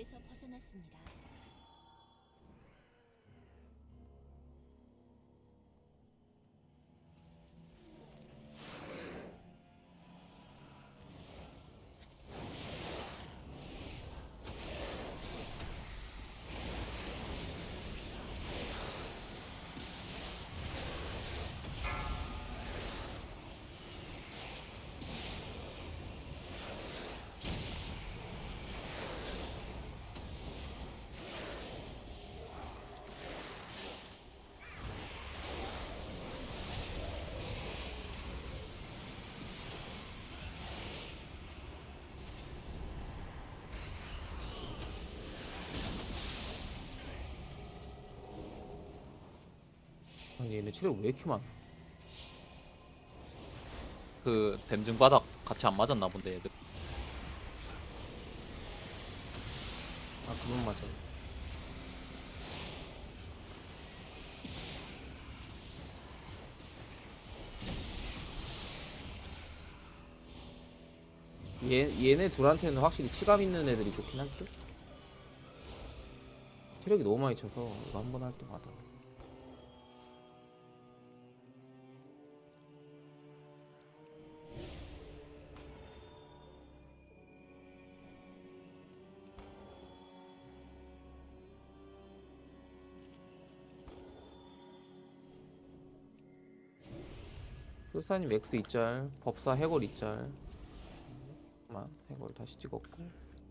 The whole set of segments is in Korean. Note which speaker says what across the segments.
Speaker 1: 위기에서 벗어났습니다.
Speaker 2: 아니 얘네 체력 왜 이렇게 많아?
Speaker 3: 그 댐증 바닥 같이 안 맞았나 본데 얘들.
Speaker 2: 아 그만 맞아. 얘네 둘한테는 확실히 치감 있는 애들이 좋긴 할 듯? 체력이 너무 많이 쳐서 이거 한 번 할 때마다 술사님 X 2짤, 법사 해골 2짤. 잠깐만 해골 다시 찍었고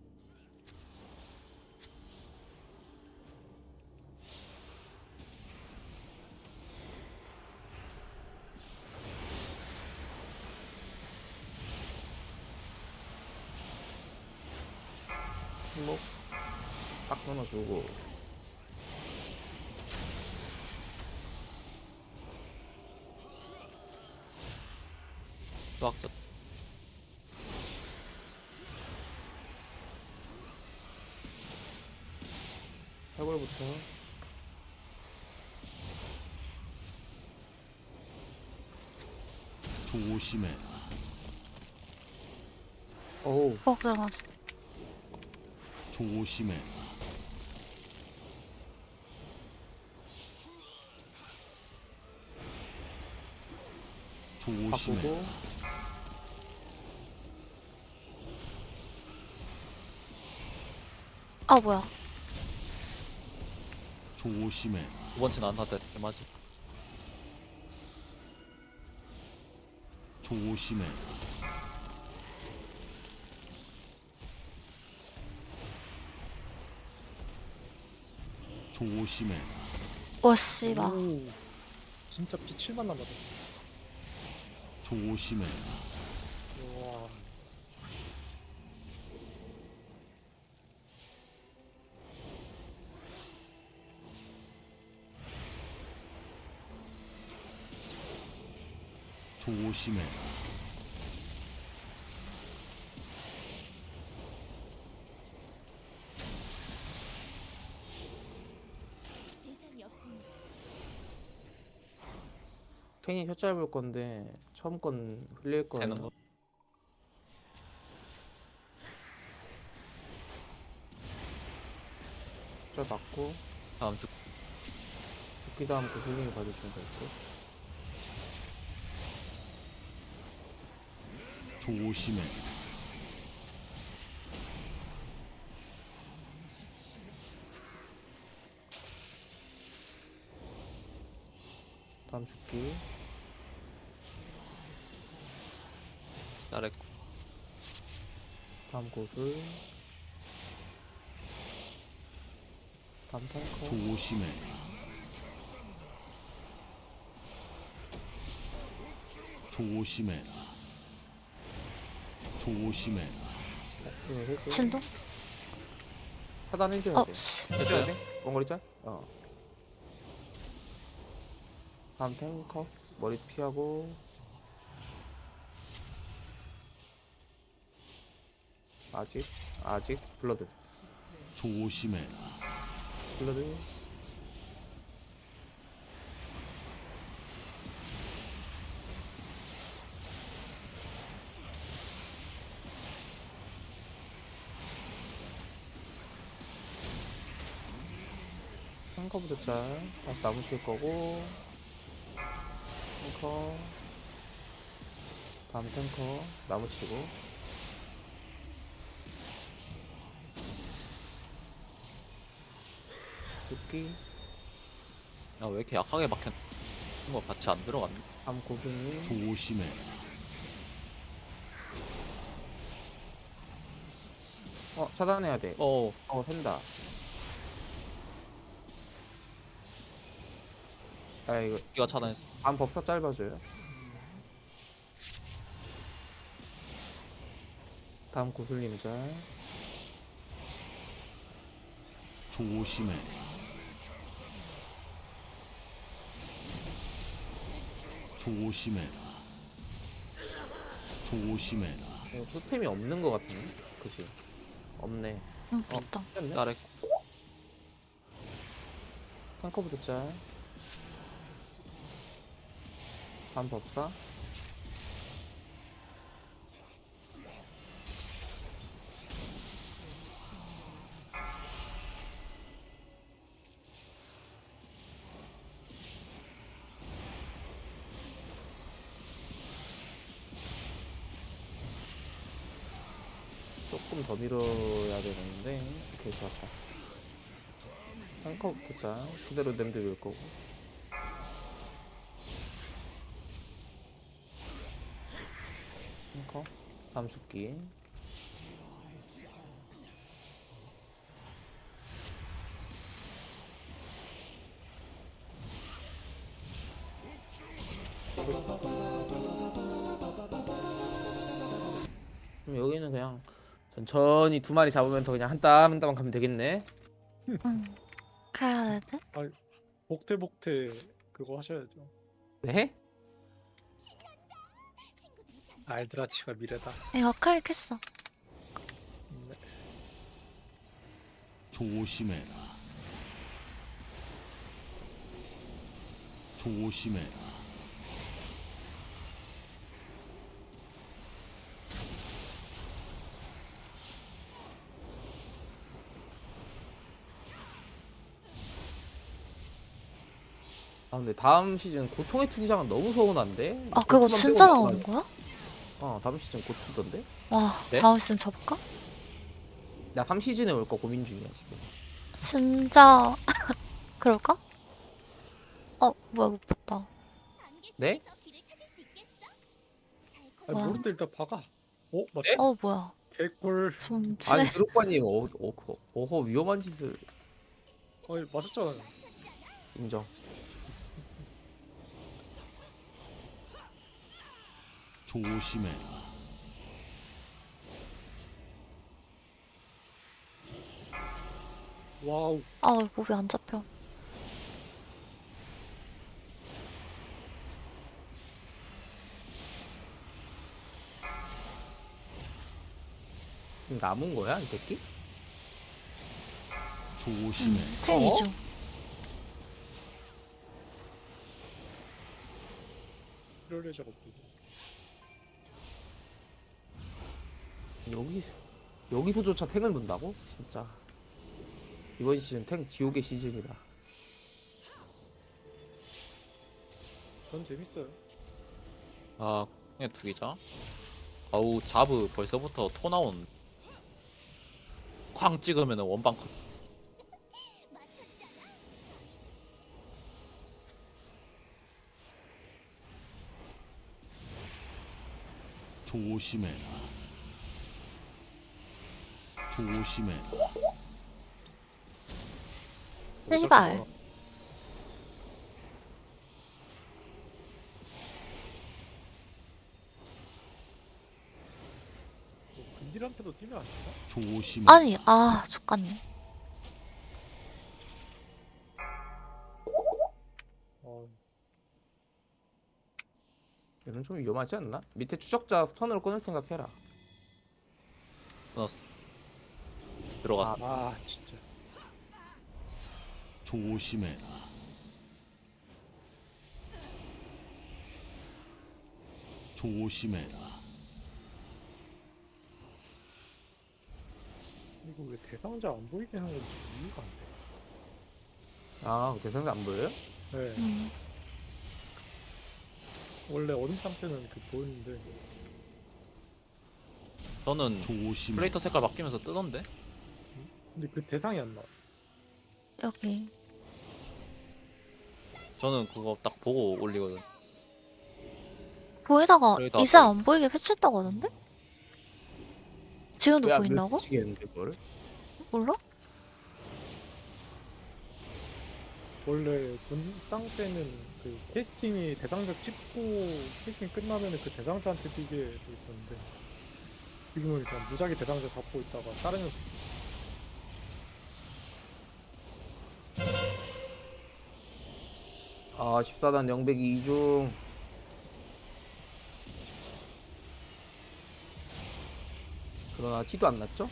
Speaker 2: 행복 딱 끊어주고
Speaker 3: 수학적
Speaker 2: 해골부터
Speaker 4: 조심해라.
Speaker 2: 어우
Speaker 5: 들어갔어.
Speaker 4: 조심해라. 조심해라.
Speaker 2: 바꾸고
Speaker 5: 아 뭐야?
Speaker 4: 조심해라.
Speaker 3: 두 번째는 안 하다 맞지.
Speaker 4: 조심해라. 조심해라.
Speaker 5: 오 씨발.
Speaker 6: 오, 진짜 피 7만 남았어.
Speaker 4: 조심해라.
Speaker 6: 우와.
Speaker 4: 조심해라.
Speaker 1: 대상이 없습니다.
Speaker 2: 테니 혀 짧을 건데 처음 건 흘릴 거예요.
Speaker 3: 쟤는 뭐
Speaker 2: 저 맞고
Speaker 3: 다음 주
Speaker 2: 죽기 다음 그 힐링을 봐주시면 될 듯.
Speaker 4: 조심해라.
Speaker 2: 다음 죽기
Speaker 3: 잘했고
Speaker 2: 다음 고술 다음 탱커
Speaker 4: 조심해라. 조심해라. 조심해라.
Speaker 2: 네, 해제
Speaker 5: 진동?
Speaker 2: 차단해줘야 돼.
Speaker 5: 씨.
Speaker 2: 해줘야 돼? 원거리 짤? 다음 탱커 머리 피하고 아직 블러드
Speaker 4: 조심해라.
Speaker 2: 블러드 탱커부터 짤. 다시 나무 칠 거고. 탱커. 다음 탱커. 나무 치고. 도끼.
Speaker 3: 야, 왜 이렇게 약하게 막혔? 거 같이 안 들어갔네.
Speaker 2: 다음 고객님.
Speaker 4: 조심해.
Speaker 2: 차단해야 돼.
Speaker 3: 어,
Speaker 2: 샌다. 아, 이거.
Speaker 3: 기가 차단했어.
Speaker 2: 다음 법사 짧아져요. 다음 구슬님 짤.
Speaker 4: 조심해. 조심해. 조심해.
Speaker 2: 이거 토템이 없는 것 같은데? 그치? 없네.
Speaker 5: 응, 됐다.
Speaker 2: 됐네?
Speaker 3: 나래.
Speaker 2: 탱커부터 짤. 다음 법사. 조금 더 밀어야 되는데. 오케이, 좋았다. 탱커부터 짤. 그대로 냄새 밀 거고. 탱커. 다음 죽기. 그럼 여기는 그냥 천천히 두 마리 잡으면서 그냥 한 땀 한 땀 가면 되겠네.
Speaker 5: 응. 그래야 되지?
Speaker 6: 복태복태 그거 하셔야죠.
Speaker 2: 네?
Speaker 6: 알드라치가 미래다.
Speaker 5: 이거 클릭했어.
Speaker 6: 네.
Speaker 4: 조심해라. 조심해라.
Speaker 2: 근데 다음 시즌 고통의 투기장은 너무 서운한데?
Speaker 5: 아, 그거
Speaker 2: 고투만
Speaker 5: 진짜
Speaker 2: 빼고
Speaker 5: 나오는 거야?
Speaker 2: 다음 시즌 고투던데?
Speaker 5: 와,
Speaker 3: 네?
Speaker 5: 다음 시즌 접까?
Speaker 2: 나 3시즌에 올 거 고민 중이야 지금.
Speaker 5: 진짜 그럴까? 뭐야, 못 봤다.
Speaker 2: 네?
Speaker 6: 아니
Speaker 5: 와.
Speaker 6: 모르는데 일단 박아. 맞아.
Speaker 5: 뭐야.
Speaker 6: 개꿀.
Speaker 5: 좀
Speaker 2: 아니
Speaker 5: 친해.
Speaker 2: 드롭바님 어허 위험한 짓을.
Speaker 6: 맞았잖아요.
Speaker 2: 인정.
Speaker 4: 조심해라.
Speaker 6: 와우.
Speaker 5: 몸이 안 잡혀.
Speaker 2: 남은 거야 이 새끼?
Speaker 4: 조심해.
Speaker 5: 탱 이중.
Speaker 6: 이럴 예정 없고.
Speaker 2: 여기서조차 탱을 본다고? 진짜 이번 시즌 탱 지옥의 시즌이다.
Speaker 6: 전 재밌어요.
Speaker 3: 아, 그냥 투기자. 아우, 자브 벌써부터 토 나온. 쾅 찍으면 원방 컷.
Speaker 4: 조심해라. 조심해라.
Speaker 5: 씨발.
Speaker 6: 근딜한테도 뛰면 안 되나?
Speaker 4: 조심해.
Speaker 5: 아니, 족같네.
Speaker 2: 얘는 좀 위험하지 않나? 밑에 추적자 스턴으로 끊을 생각해라.
Speaker 3: 끊었어. 들어갔어.
Speaker 6: 진짜.
Speaker 4: 조심해라. 조심해라.
Speaker 6: 이거 왜 대상자 안 보이게 하는 건지 이해가 안 돼.
Speaker 2: 아, 대상자 안 보여요?
Speaker 6: 네.
Speaker 5: 음.
Speaker 6: 원래 어둠 상태는 그 보였는데
Speaker 3: 저는
Speaker 4: 조심해.
Speaker 3: 플레이터 색깔 바뀌면서 뜨던데?
Speaker 6: 근데 그 대상이 안 나와.
Speaker 5: 여기.
Speaker 3: 저는 그거 딱 보고 올리거든.
Speaker 5: 보이다가
Speaker 3: 그러다
Speaker 5: 이제
Speaker 3: 또-
Speaker 5: 안 보이게 패치했다고 하던데? 지금도
Speaker 2: 왜안
Speaker 5: 보인다고?
Speaker 2: 미치겠는데 그걸?
Speaker 5: 몰라?
Speaker 6: 원래 본땅 때는 그 캐스팅이 대상자 찍고 캐스팅 끝나면은 그 대상자한테 뛰게 돼 있었는데 지금은 그냥 무작위 대상자 잡고 있다가 다른 애
Speaker 2: 아, 14단 영백이 2중. 그러나 티도 안 났죠?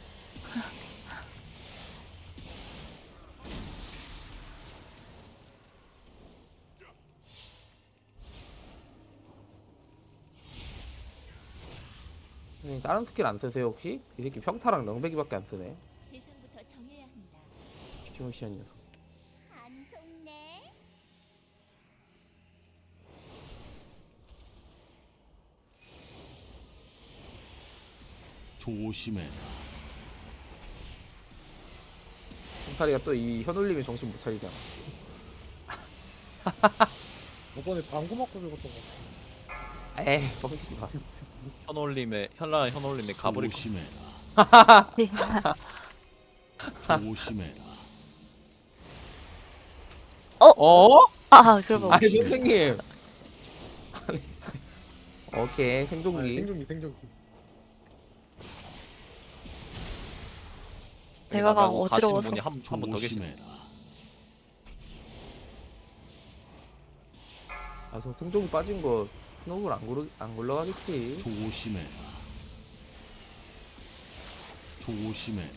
Speaker 2: 다른 스킬 안 쓰세요 혹시? 이 새끼 평타랑 영백이밖에 안 쓰네.
Speaker 1: 대상부터 정해야 합니다.
Speaker 2: 시무시한 녀석.
Speaker 1: 안 속네.
Speaker 4: 조심해.
Speaker 2: 평타리가 또 이 현울림에 정신 못 차리잖아.
Speaker 6: 저번에 방구 맞고 죽었던 거 같아.
Speaker 2: 에이, 뻥치지 마.
Speaker 3: 현란 현올림의 가브리
Speaker 4: 조심해.
Speaker 5: 네.
Speaker 4: 조심해.
Speaker 2: 어?
Speaker 5: 아, 그러고.
Speaker 2: 아니
Speaker 4: 조심해.
Speaker 2: 선생님. 아니, 진짜. 오케이
Speaker 6: 아니,
Speaker 2: 생존기.
Speaker 6: 생존기.
Speaker 5: 대화가 어지러워서.
Speaker 3: 한분 더 계시네.
Speaker 4: 조심해.
Speaker 2: 아, 저 생존기 빠진 거 스노우볼 안 굴러가겠지.
Speaker 4: 조심해. 조심해.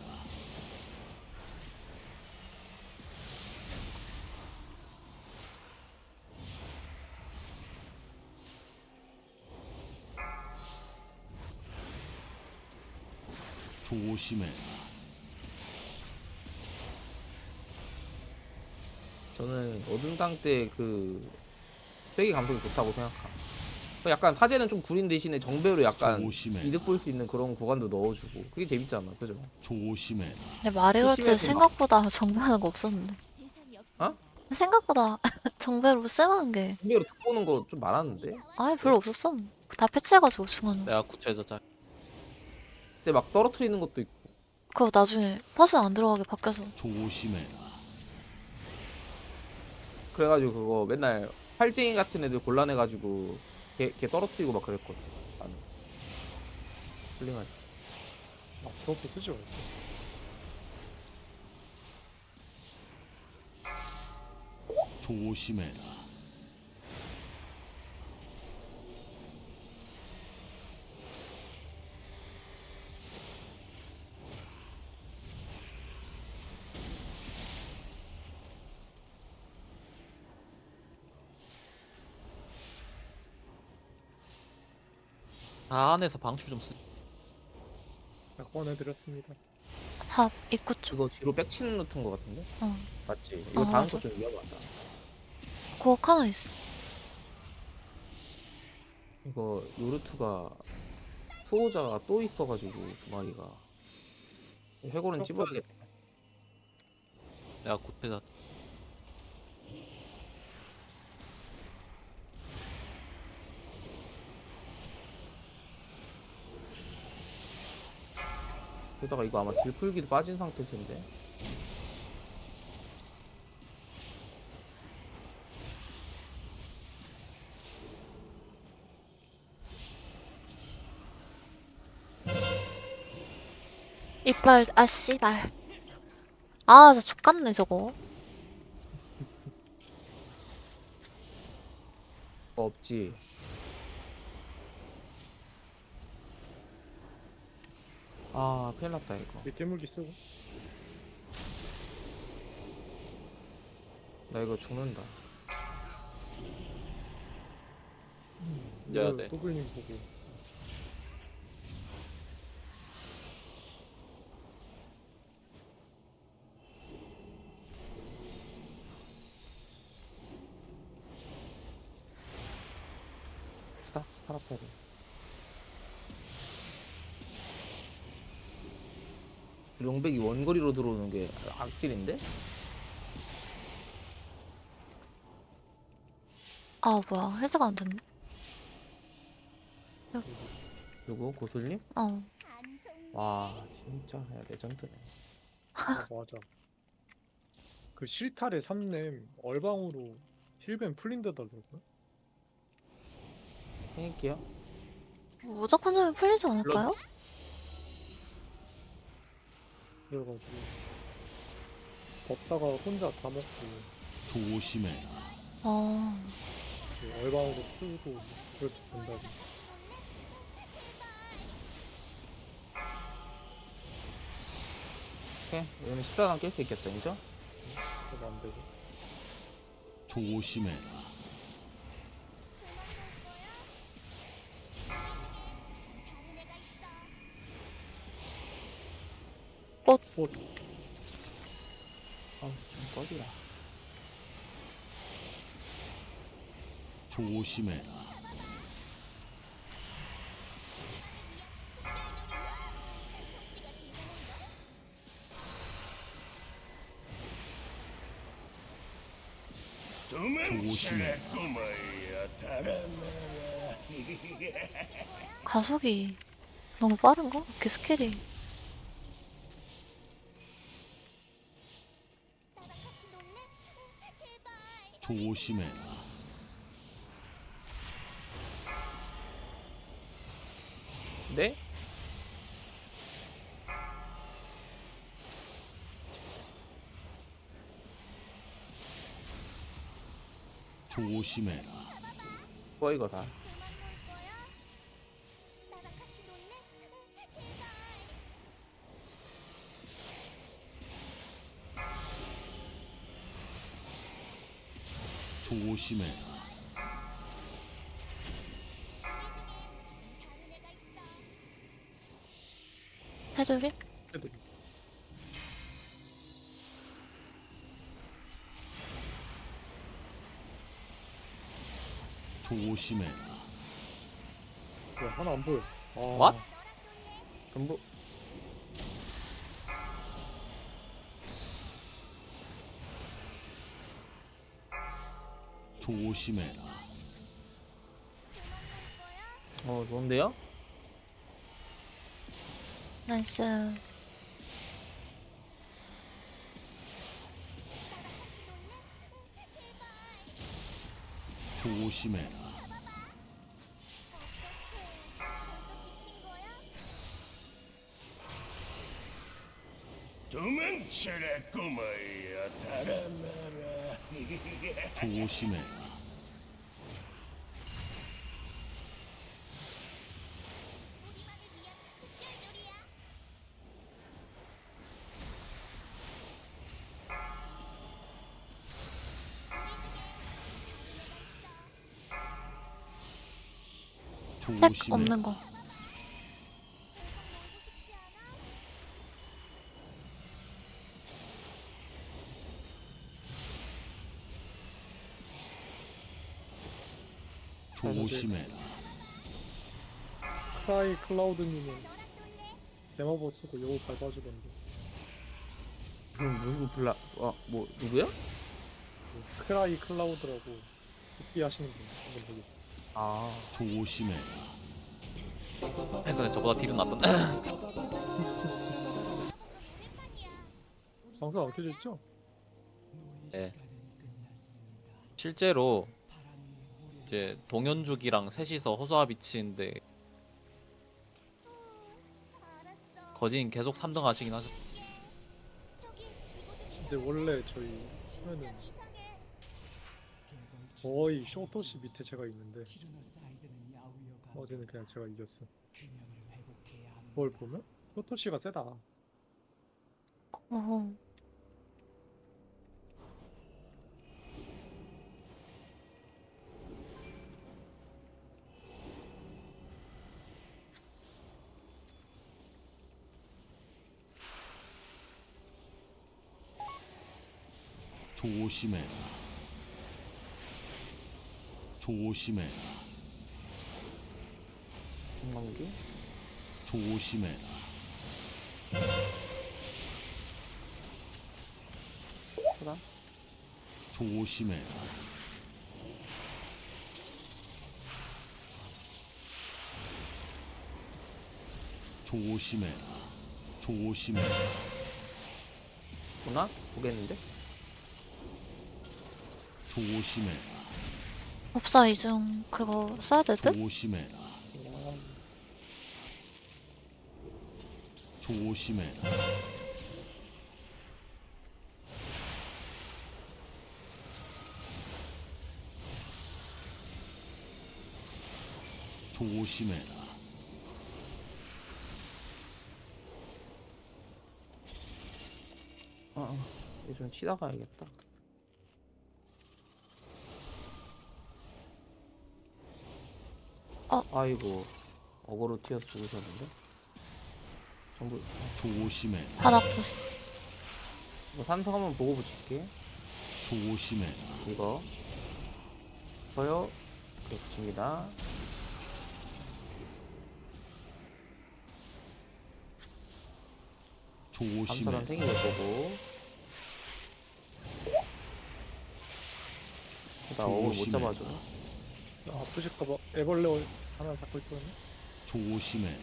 Speaker 4: 조심해.
Speaker 2: 저는 어둠당 때 그 세계 감성이 좋다고 생각함. 약간 사제는 좀 구린 대신에 정배로 약간
Speaker 4: 조심해.
Speaker 2: 이득 볼 수 있는 그런 구간도 넣어주고 그게 재밌잖아, 그죠?
Speaker 4: 조심해.
Speaker 5: 근데 말이 그렇지
Speaker 2: 조심해서
Speaker 5: 생각보다 정배하는 거 없었는데.
Speaker 1: 대상이 없습니다.
Speaker 2: 어?
Speaker 5: 생각보다 정배로 쓸만한 게
Speaker 2: 정배로 듣보는 거 좀 많았는데.
Speaker 5: 아예 별로 없었어. 다 패치해가지고 중간.
Speaker 3: 내가 구체에서 잘
Speaker 2: 근데 막 떨어뜨리는 것도 있고.
Speaker 5: 그거 나중에 퍼즐 안 들어가게 바뀌어서.
Speaker 4: 조심해.
Speaker 2: 그래가지고 그거 맨날 팔쟁이 같은 애들 곤란해가지고 걔 떨어뜨리고 막 그랬거든. 나는. 훌륭하지.
Speaker 6: 아, 그것도 쓰지 말고.
Speaker 4: 조심해.
Speaker 3: 다 안에서 방출 좀 쓰.
Speaker 6: 자, 꺼내드렸습니다.
Speaker 5: 다 입구 쪽.
Speaker 2: 이거 뒤로 백치는 루트인 것 같은데?
Speaker 5: 어.
Speaker 2: 맞지? 이거
Speaker 5: 어,
Speaker 2: 다음
Speaker 5: 맞아.
Speaker 2: 거 좀 위험하다.
Speaker 5: 구억 하나 있어.
Speaker 2: 이거 요르투가 수호자가 또 있어가지고 두 마리가 해골은 찝어야겠다.
Speaker 3: 내가 구체에서
Speaker 2: 게다가 이거 아마 딜풀기도 빠진 상태일 텐데.
Speaker 5: 이빨, 아, 씨발. 아, 진짜 족같네, 저거.
Speaker 2: 없지. 아, 큰일 났다 이거.
Speaker 6: 이 깨물기 쓰고.
Speaker 2: 나 이거 죽는다.
Speaker 3: 이겨야 돼.
Speaker 6: 더블님 보고.
Speaker 2: 봅시다. 카라페를. 용백이 원거리로 들어오는 게 악질인데?
Speaker 5: 아, 뭐야. 해제가 안 됐네.
Speaker 2: 누구? 고술님?
Speaker 5: 어.
Speaker 1: 안 속네.
Speaker 2: 와 진짜 야, 레전드네.
Speaker 6: 아, 맞아. 그 실타래 3렘 얼방으로 힐벤 풀린다더라고요.
Speaker 2: 해낼게요.
Speaker 5: 무조건 하면 풀리지 않을까요?
Speaker 6: 그래가지고 걷다가 혼자 다 먹고
Speaker 4: 조심해라.
Speaker 5: 어.
Speaker 6: 이제 얼방으로 풀고 그렇게 된다고.
Speaker 2: 오케이. 이거는 14단 깰 수 있겠죠, 인정?
Speaker 6: 그래서 안 되고.
Speaker 4: 조심해라.
Speaker 1: 다른 애가 있어.
Speaker 2: 아우 좀 꺼지라.
Speaker 4: 조심해라.
Speaker 1: 솜씨가 대단한 걸.
Speaker 4: 조심해.
Speaker 5: 가속이 너무 빠른가? 이렇게 스킬이.
Speaker 1: 나랑 같이 놀래? 제발.
Speaker 4: 조심해라.
Speaker 2: 네?
Speaker 4: 조심해라.
Speaker 2: 뭐 이거 다.
Speaker 1: 그만 놀 거야? 나랑 같이 놀래? 제발.
Speaker 4: 조심해라.
Speaker 1: 다른 애가 있어.
Speaker 5: 해줄이?
Speaker 6: 애들이
Speaker 4: 조심해라.
Speaker 6: 뭐야 하나 안 보여. 아,
Speaker 3: What?
Speaker 2: 전부
Speaker 4: 조심해라.
Speaker 2: 좋은데요?
Speaker 5: 나이스.
Speaker 4: 조심해라.
Speaker 1: 벌써 지친 거야?
Speaker 7: 도망쳐라 꼬마야 달아나라.
Speaker 4: 조심해라.
Speaker 1: 우리만을 위한 특별 요리야.
Speaker 5: 색
Speaker 4: 조심해라.
Speaker 5: 없는 거.
Speaker 1: 놀고 싶지 않아?
Speaker 4: 조심해라.
Speaker 6: 크라이 클라우드님은 데모버 쓰고 요거 밟아주던데.
Speaker 2: 무슨 블라 뭐 누구야?
Speaker 6: 그 크라이 클라우드라고 복귀 하시는 분 한번 보고.
Speaker 2: 아
Speaker 4: 조심해라.
Speaker 3: 근데 저보다 딜은 낫던데.
Speaker 6: 방송 안 켜져 있죠?
Speaker 3: 네. 실제로 이제 동현죽이랑 셋이서 허수아 비치인데
Speaker 1: 알았어.
Speaker 3: 거진 계속 3등 하시긴 하죠.
Speaker 1: 저기 이거 좀
Speaker 6: 근데 원래 저희 하면은
Speaker 1: 이상해.
Speaker 6: 거의 쇼토시 밑에 제가 있는데 어제는 그냥 제가 이겼어. 그걸 보면 쇼토시가 세다.
Speaker 5: 어허.
Speaker 4: 조심해라. 조심해라.
Speaker 2: 한감기.
Speaker 4: 조심해라.
Speaker 2: 차단.
Speaker 4: 조심해라. 조심해라. 조심해라.
Speaker 2: 보나? 보겠는데?
Speaker 4: 조심해라.
Speaker 5: 법사 이중 그거 써야 될 듯?
Speaker 4: 조심해라. 조심해라. 조심해라.
Speaker 2: 이제 좀 치다 가야겠다. 아이고, 어그로 튀어서 죽으셨는데? 전부,
Speaker 4: 조심해라.
Speaker 5: 바닥 조심.
Speaker 2: 이거 산성 한번 보고 붙일게.
Speaker 4: 조심해라.
Speaker 2: 이거. 저요. 이렇게 붙입니다. 감사람
Speaker 4: 조심해라.
Speaker 2: 생기될 거고. 나 어그로 못
Speaker 4: 조심해.
Speaker 2: 잡아줘.
Speaker 6: 아프실까봐 애벌레 하나 잡고 있거든요.
Speaker 4: 조심해라.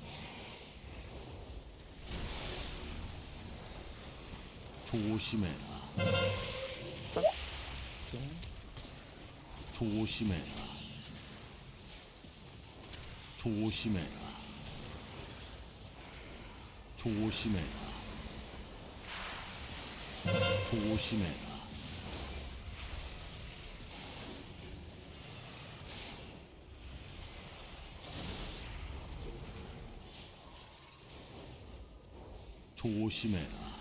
Speaker 4: 조심해라. 조심해라. 조심해라. 조심해라. 조심해라. 조심해라.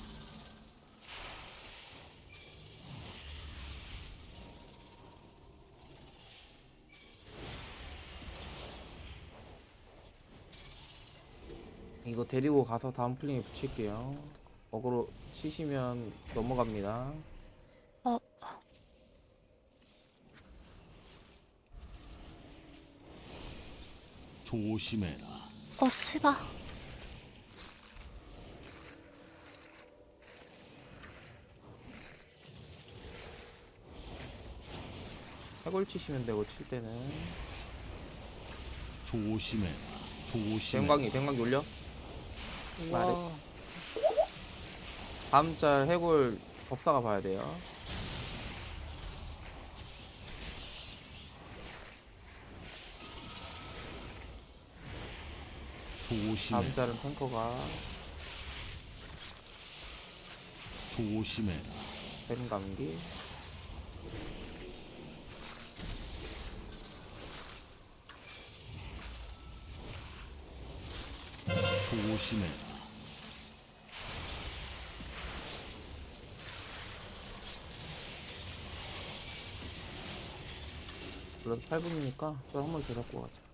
Speaker 2: 이거 데리고 가서 다음 플링에 붙일게요. 어그로 치시면 넘어갑니다.
Speaker 5: 어,
Speaker 4: 조심해라.
Speaker 5: 씨발.
Speaker 2: 해골 치시면 되고 칠 때는
Speaker 4: 조심해라. 조심해라.
Speaker 2: 뱅광이 올려.
Speaker 6: 와,
Speaker 2: 다음 짤 해골 법사가 봐야 돼요. 다음
Speaker 4: 조심해라.
Speaker 2: 짤은 탱커가
Speaker 4: 조심해라.
Speaker 2: 뱅감기.
Speaker 4: 조심해라.
Speaker 2: 그래서 8분이니까 저 한 번 더 잡고 가자.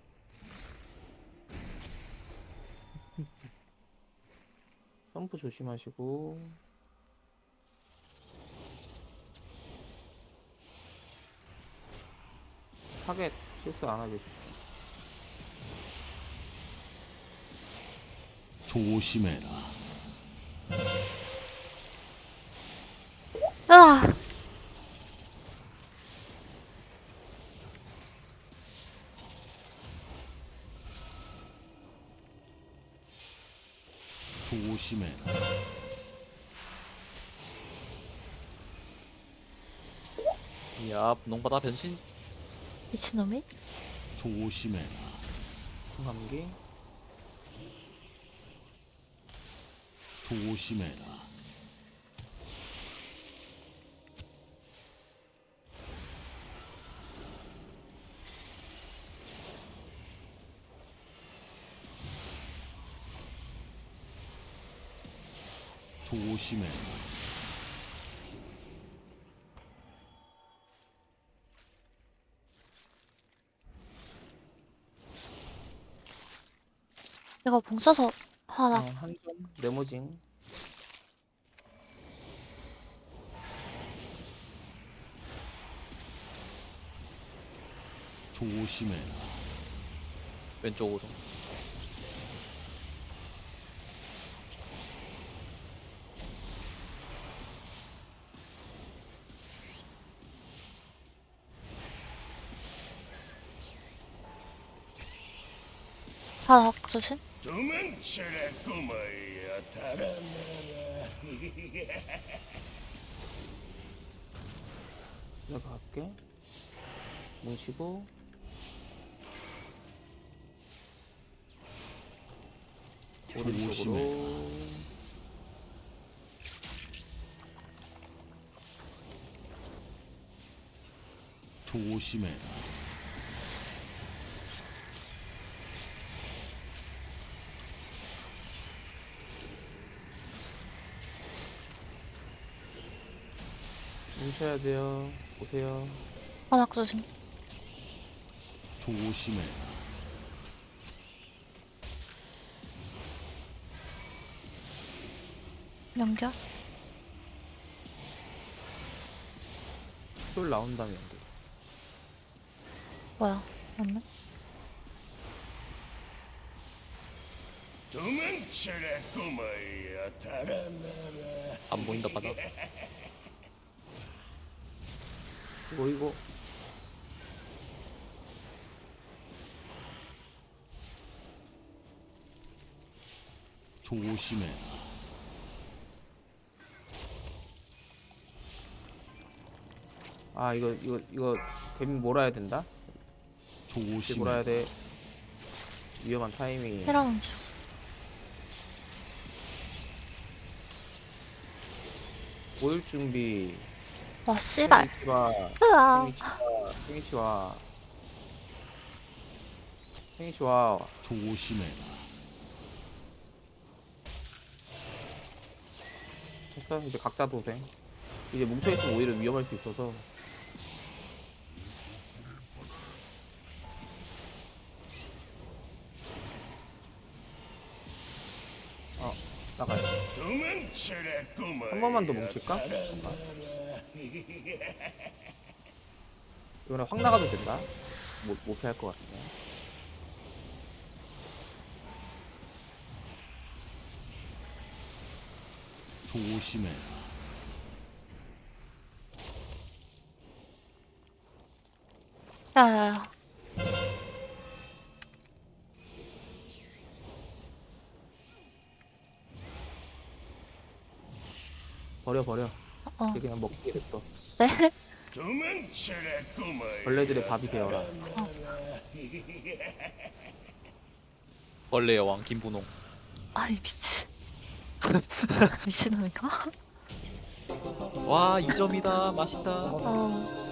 Speaker 2: 점프 조심하시고. 타겟 실수 안 하게.
Speaker 4: 조심해라.
Speaker 5: 으아!
Speaker 4: 조심해라.
Speaker 3: 야, 농바다 변신.
Speaker 5: 미친놈이?
Speaker 4: 조심해라.
Speaker 2: 감기.
Speaker 4: 조심해라. 조심해라.
Speaker 5: 이거 뭉쳐서 하나.
Speaker 2: 한점 네모징.
Speaker 4: 조심해라.
Speaker 3: 왼쪽으로.
Speaker 5: 바닥 조심.
Speaker 7: 도망쳐라 꼬마야 달아나라.
Speaker 2: 내가 갈게. 뭉치고.
Speaker 4: 조심해.
Speaker 2: 오른쪽으로.
Speaker 4: 조심해라.
Speaker 2: 뭉쳐야 돼요. 오세요.
Speaker 5: 바닥 조심.
Speaker 4: 조심해라.
Speaker 5: 연결.
Speaker 2: 쫄 나온다면 안 돼.
Speaker 5: 뭐야? 맞네.
Speaker 7: 도망쳐라 꼬마야 달아나라.
Speaker 3: 안 보인다 바닥.
Speaker 2: 이거.
Speaker 4: 조심해라.
Speaker 2: 아, 이거 개미 몰아야 된다? 이렇게 몰아야
Speaker 4: 조심해라.
Speaker 2: 돼. 위험한 타이밍.
Speaker 5: 해라운 중.
Speaker 2: 보일 준비.
Speaker 5: 와 씨발.
Speaker 2: 생이치와.
Speaker 5: 으아.
Speaker 2: 생이치와. 생이치와.
Speaker 4: 조심해라.
Speaker 2: 됐어. 이제 각자 도생. 이제 뭉쳐있으면 오히려 위험할 수 있어서. 나가요.
Speaker 7: 도망쳐라 꼬마야
Speaker 2: 한 번만 더 뭉칠까? 이번에 확 나가도 된다. 못 피할 것 같네.
Speaker 4: 조심해라.
Speaker 5: 야야야.
Speaker 2: 버려.
Speaker 5: 어.
Speaker 2: 이제 그냥 먹게 됐어.
Speaker 5: 네.
Speaker 7: 도망쳐라 꼬마야
Speaker 2: 벌레들의 밥이 되어라.
Speaker 3: 벌레 여왕 김분홍.
Speaker 5: 아니 미친. 미친놈인가?
Speaker 3: 와 2점이다 맛있다.
Speaker 5: 어.